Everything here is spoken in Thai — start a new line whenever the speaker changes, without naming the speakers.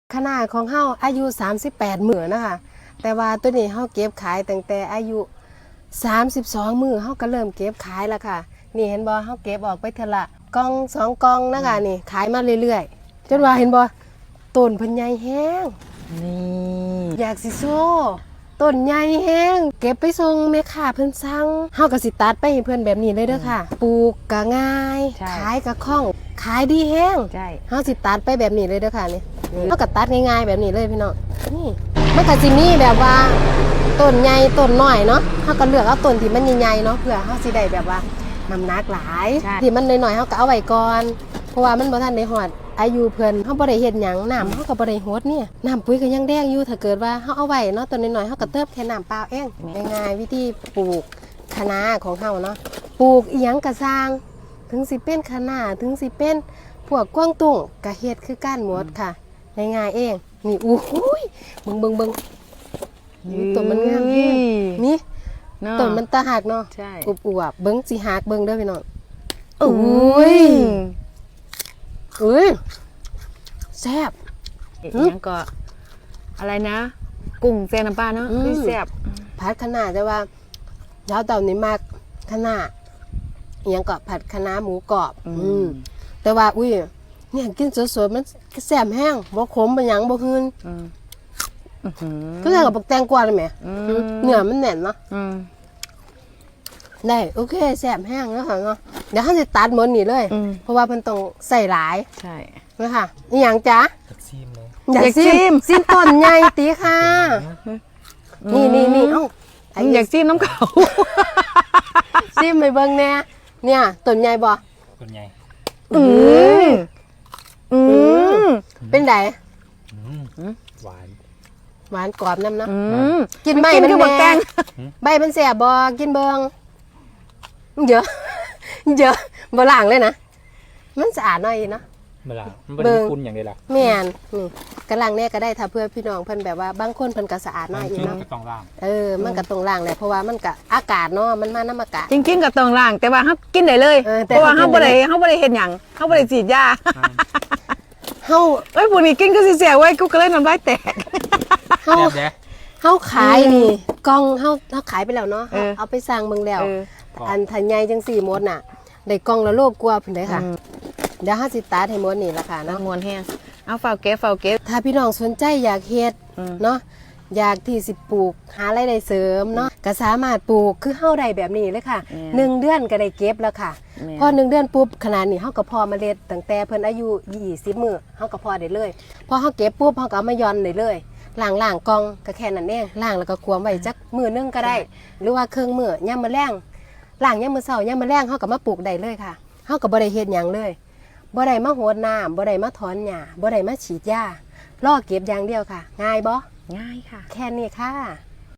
ขนาดของเฮาอายุ38มื้อนะคะแต่ว่าตัวนี้เฮาเก็บขายตั้งแต่อายุ32มื้อเฮาก็เริ่มเก็บขายแล้วค่ะนี่เห็นบ่เฮาเก็บออกไปเทอละกล่อง2กล่องนะคะนี่ขายมาเรื่อยๆจนว่าเห็นบ่ต้นเพิ่นใหญ่แฮง
นี่
อยากสิโซ่ต้นใหญ่แฮงเก็บไปส่งแม่ค้าเพิ่นสั่งเฮาก็สิตัดไปให้เพิ่นแบบนี้เลยเด้อค่ะปลูกก็ง่ายขายก็คล่องขายดีแฮง
ใช่
เฮาสิตัดไปแบบนี้เลยเด้อค่ะนี่เฮาก็ตัดง่ายๆแบบนี้เลยพี่น้องนี่มันก็สิมีแบบว่าต้นใหญ่ต้นน้อยเนาะเฮาก็เลือกเอาต้นที่มันใหญ่ๆเนาะเพื่อเฮาสิได้แบบว่าน้ำหนักหลายที่มันน้อยๆเฮาก็เอาไว้ก่อนเพราะว่ามันบ่ทันได้ฮอดอายุเพิ่นเฮาบ่ได้เฮ็ดหยังน้ำเฮาก็บ่ได้ฮดเนี่ยน้ำปุ๋ยก็ยังแดงอยู่ถ้าเกิดว่าเฮาเอาไว้เนาะต้นน้อยๆเฮาก็เติมแค่น้ำเปล่าเองง่ายๆวิธีปลูกคะน้าของเฮาเนาะปลูกอีหยังก็สร้างถึงสิเป็นคะน้าถึงสิเป็นพวกกวางตุ้งก็เฮ็ดคือกันหมดค่ะง่ายๆเองนี่อู้หูยเบิ่งต้นมันงามแฮงนี่ต้นมันตาหักเนาะ
ใช่
อวบๆเบิ่งสิหักเบิ่งเด้อพี่น้องอุ้ยแซ่บ
ยังก็อะไรนะกุ้งแซ่น้ำปลาเนาะคือแซ่บ
ผัดคะน้าแต่ว่าเช้าเต่านี่มากคะน้ายังก็ผัดคะน้าหมูกรอบแต่ว่าอุ้ยเนี่ยกินสดๆมันแซ่บแห้งบ่ขมบ่หยังบ่หืนก็เลยกับบักแตงกวาเลยแหมเนื้อมันแน่นเนาะได้โอเคแซ่บแห้งแล้วค่ะเนาะเดี๋ยวเขาจะตัดหมดนี่เลยเพราะว่ามันต้องใส่หลาย
ใช่
นะคะนี่อย่างจ๊ะ
อยากชิม
ซิมต้นใหญ่ตีค่ะนี่เอ้า
อยากชิมน้ำเขา
ซิมไปเบิ่งแน่เนี่ยต้นใหญ่บ่
ต้นใหญ่
เป็นไง
หวาน
หวานกรอบน้ำเนาะกิน
ใบ
มัน
แน่
ใบมันแสบบ่กินเบิ่งเยอะบ่ล้างเลยนะมันสะอาดหน่อยเนาะ
เวลามันเป็นคุณอย่างเดียวล่ะ
แม่นนี่กำลังเนี่ยก็ได้ถ้าเพื่อพี่น้องเพิ่นแบบว่าบางคนเพิ่นก็สะอาดหน่อยเนาะ
ก็ต้องล้าง
มันก็ต้องล้างแหละเพราะว่ามันก็อากาศเนาะมันมาน้ำอากาศ
จริงๆก็ต้องล้างแต่ว่าเฮากินได้เลยเพราะว่าเฮาบ่ได้เฮ็ดหยังเฮาบ่ได้ฉีดยา
เฮา
พวกนี้กินก็สิเสียไว้กูก็เลยน้ำลายแตก
เฮาขายนี่กล่องเฮาขายไปแล้วเนาะเอาไปสร้างเบิ่งแล้วอันทันใหญ่จัง4มดน่ะได้กล่องละโลกว่าเพิ่นได้ค่ะเดี๋ยว5สิตัดให้หมดนี่ล่ะค่ะเนาะ
มวนแฮงเอาเฝ้าเก็บ
ถ้าพี่น้องสนใจอยากเฮ็ดเนาะอยากที่สิปลูกหารายได้เสริมเนาะก็สามารถปลูกคือเฮาได้แบบนี้เลยค่ะ1เดือนก็ได้เก็บแล้วค่ะพอ1เดือนปุ๊บขนาดนี้เฮาก็พอเมล็ดตั้งแต่เพิ่นอายุ20มื้อเฮาก็พอได้เลยพอเฮาเก็บปุ๊บเฮาก็เอามาย่อนได้เลยล้างกล่องก็แค่นั้นเองล้างแล้วก็ควมไว้จักมื้อนึงก็ได้หรือว่าครึ่งมื้อยามมื้อแลงล้างยามมื้อเช้ายามมื้อแลงเฮาก็มาปลูกได้เลยค่ะเฮาก็บ่ได้เฮ็ดหยังเลยบ่ได้มาโหดน้ำบ่ได้มาถอนหญ้าบ่ได้มาฉีดยารอเก็บอย่างเดียวค่ะง่ายบ่
ง่ายค่ะ
แค่นี้ค่ะ